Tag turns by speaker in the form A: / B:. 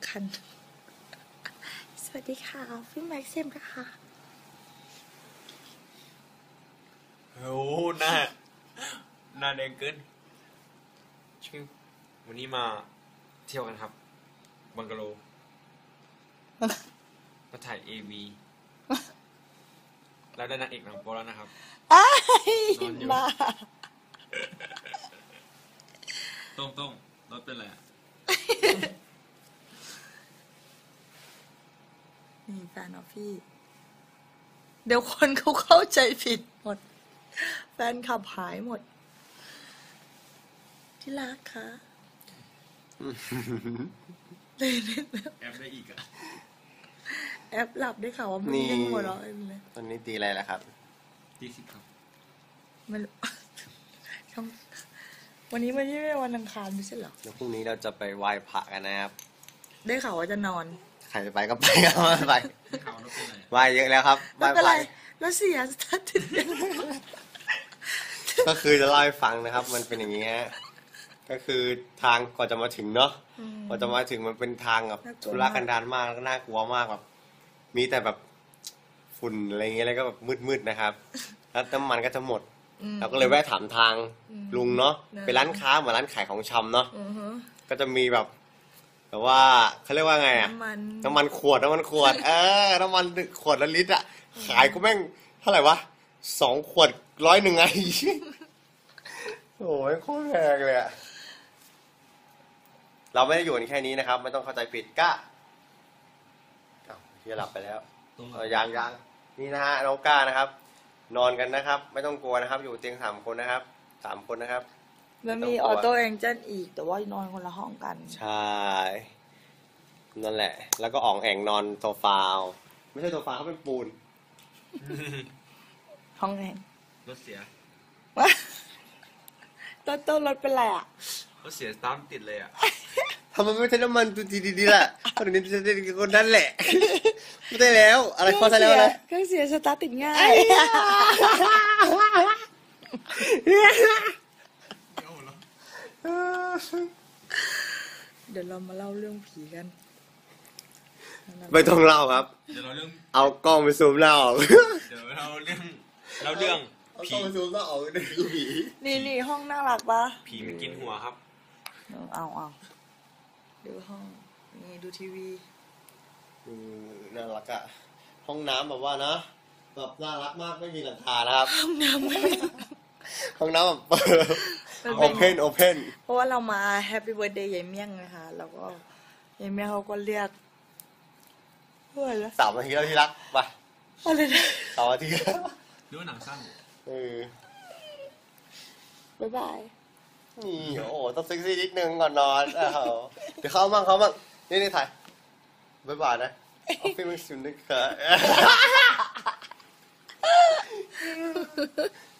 A: กันสวัสดีค่ะพี่แม็กซิมนะคะ
B: โอ้หน้าแดงเกินชิววันนี้มาเที่ยวกันครับบังกะโลมาถ่าย AV แล้วได้นางเอกหนังโป๊แล้วนะครับนอนอยู่ต้มรถเป็นไร
A: นี่แฟนออฟฟี่เดี๋ยวคนเขาเข้าใจผิดหมดแฟนขับหายหมดที่รักคะ
B: แอปได้อีกอะ
A: แอปหลับได้ข่าวว่ามึงยังหัวเราะเลย
C: ตอนนี้ตีอะไรแล้วครับ
B: ตี10ครับ
A: ไม่รู้วันนี้ไม่ใช่วันอังคารไม่ใช่เหรอ
C: แล้วพรุ่งนี้เราจะไปไหว้พระกันนะครับ
A: ได้ข่าวว่าจะนอน
C: ใครจะไปก็ไปก็ไป
B: ข่าวรถเป็นไร
C: ไหว้เยอะแล้วครับ
A: ไม่เป็นไรแล้วเสียสตาร์ท
C: ก็คือจะเล่าให้ฟังนะครับมันเป็นอย่างนี้ฮะก็คือทางก่อนจะมาถึงเนาะก่อนจะมาถึงมันเป็นทางแบบทุรกันดารมากน่ากลัวมากแบบมีแต่แบบฝุ่นอะไรเงี้ยแล้วก็แบบมืดๆนะครับแล้วน้ำมันก็จะหมดเราก็เลยแวะถามทางลุงเนาะเป็นร้านค้าเหมือนร้านขายของชำเนาะก็จะมีแบบว่าเขาเรียกว่าไงอะน้ำมันขวดน้ำมันขวดขวดละลิตรอะขายก็แม่งเท่าไหร่วะ2 ขวด100ไงโอ้ยโคตรแพงเลยอะเราไม่ได้อยู่กันแค่นี้นะครับไม่ต้องเข้าใจผิดก้าที่หลับไปแล้วยังนี่นะฮะน้องก้านะครับนอนกันนะครับไม่ต้องกลัวนะครับอยู่เตียง3 คนนะครับ3 คนนะครับ
A: แล้วมีออโต้แองเจิลอีกแต่ว่านอนคนละห้องกัน
C: ใช่นั่นแหละแล้วก็อ่องแองนอนโซฟาไม่ใช่โซฟาเขาเป็นปูน
A: ห้องแอง
B: รถเสีย
A: ต้นรถเป็นไรอ่ะ
B: รถเสียตามติดเลยอ่ะ
C: ทำไมไม่ใช้น้ำมันตัวดีๆล่ะตอนนี้จะได้คนนั้นแหละไม่ได้แล้วอะไรพอใช้แล้วนะ
A: เครื่องเสียสตาร์ทติดง่ายเดี๋ยวเรามาเล่าเรื่องผีกัน
C: ไม่ต้องเล่าครับ
B: เดี๋ยวเราเรื่อง
C: เอากล้องไปซูมเล่า
B: เดี๋ยวเราเรื่อง
C: ผีเอากล้องไปซูมเล่าเรื่องผี
A: นี่ห้องน่ารักปะ
B: ผีมันกินหัวครับ
A: เอาดูห้องนี่ดูทีวี
C: น่ารักอะห้องน้ำแบบว่านะแบบน่ารักมากไม่มีหลังคานะครับ
A: ห้องน้ำ
C: แบบเปิดโอเพน
A: เพราะว่าเรามาแฮปปี้เบิร์ธเดย์ยายเมี่ยงนะคะแล้วก็ยายเมี่ยงเขาก็เรียกเพื่อนแล้ว
C: 3 นาทีแล้วที่รักไป
A: อะไรนะ
C: 3 นาที
B: ดูหนังสั้น
A: บ๊ายบาย
C: นี่โอ้ต้องเซ็กซี่นิดนึงก่อนนอนเดี๋ยวเข้ามั่งนี่ถ่ายบ๊ายบายนะออฟฟิศมึงสุดนึกค่ะ